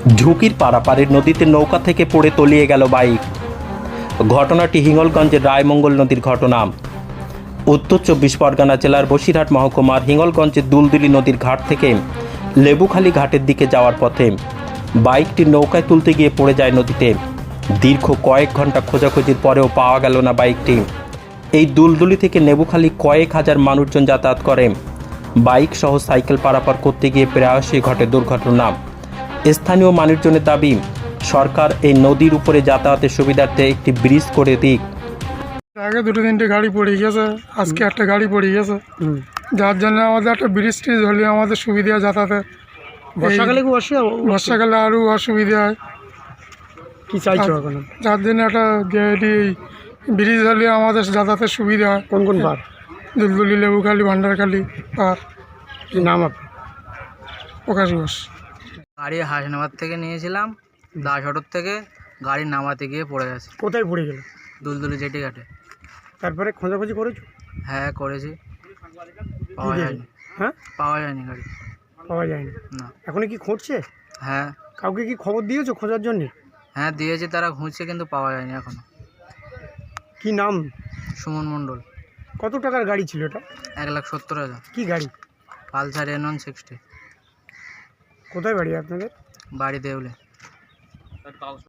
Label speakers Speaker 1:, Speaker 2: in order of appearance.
Speaker 1: ঝুঁকির পারাপারের নদীতে নৌকা থেকে পড়ে তলিয়ে গেল বাইক। ঘটনাটি হিঙ্গলগঞ্জের রায়মঙ্গল নদীর ঘটনা। উত্তর 24 পরগনা জেলার বসিরহাট মহকুমার হিঙ্গলগঞ্জের দুলদুলি নদীর ঘাট থেকে লেবুখালী ঘাটের দিকে যাওয়ার পথে বাইকটি নৌকায় তুলতে গিয়ে পড়ে যায় নদীতে। দীর্ঘ কয়েক ঘন্টা খোঁজাখুঁজির পরেও পাওয়া গেল না বাইকটি। এই দুলদুলি থেকে নেবুখালী কয়েক হাজার মানুষজন যাতায়াত করে। বাইক সহ সাইকেল পারাপার করতে গিয়ে প্রায়শই ঘটে দুর্ঘটনা। স্থানীয় মানুষজনের দাবি, সরকার এই নদীর উপরে যাতায়াতের সুবিধার্থে একটি ব্রিজ করে দিক।
Speaker 2: আগে দুটো তিনটে গাড়ি পড়ে গেছে, আজকে একটা গাড়ি পড়ে গেছে, যার জন্য আমাদের একটা ব্রিজ ট্রিজ হলে আমাদের সুবিধা যাতায়াতে।
Speaker 3: বর্ষাকালে কি
Speaker 2: বর্ষাকালে আরও অসুবিধা হয়।
Speaker 3: কি চাইছো এখন?
Speaker 2: যার জন্য একটা ব্রিজ হলে আমাদের যাতায়াতের সুবিধা হয়।
Speaker 3: কোন কোন পার?
Speaker 2: দুলদুলি, লেবুখালী, ভান্ডারখালী আর
Speaker 3: কি নাম আপনার?
Speaker 2: প্রকাশ ঘোষ।
Speaker 4: গাড়ি হাসনাবাদ থেকে নিয়েছিলাম, দাস অটোর থেকে গাড়ি নামাতে গিয়ে পড়ে গেছে
Speaker 3: কোথায় পড়ে গেল?
Speaker 4: দুলদুলি জেটি ঘাটে।
Speaker 3: তারপরে খোঁজাখুঁজি করেছো?
Speaker 4: হ্যাঁ করেছি, পাওয়া
Speaker 3: কি
Speaker 4: যায়নি।
Speaker 3: হ্যাঁ,
Speaker 4: পাওয়া যায়নি গাড়ি,
Speaker 3: পাওয়া যায়নি।
Speaker 4: না।
Speaker 3: এখন কি খুঁজছে?
Speaker 4: হ্যাঁ
Speaker 3: কাউকে কি খবর দিয়েছো খোঁজার জন্য?
Speaker 4: হ্যাঁ দিয়েছি, তারা খুঁজছে কিন্তু পাওয়া যায়নি এখনো।
Speaker 3: কি নাম?
Speaker 4: সুমন মণ্ডল।
Speaker 3: কত টাকার গাড়ি ছিল এটা?
Speaker 4: 1,70,000।
Speaker 3: কি গাড়ি?
Speaker 4: Pulsar N160।
Speaker 3: কোথায় বাড়ি আপনাদের?
Speaker 4: বাড়ি দেউলে।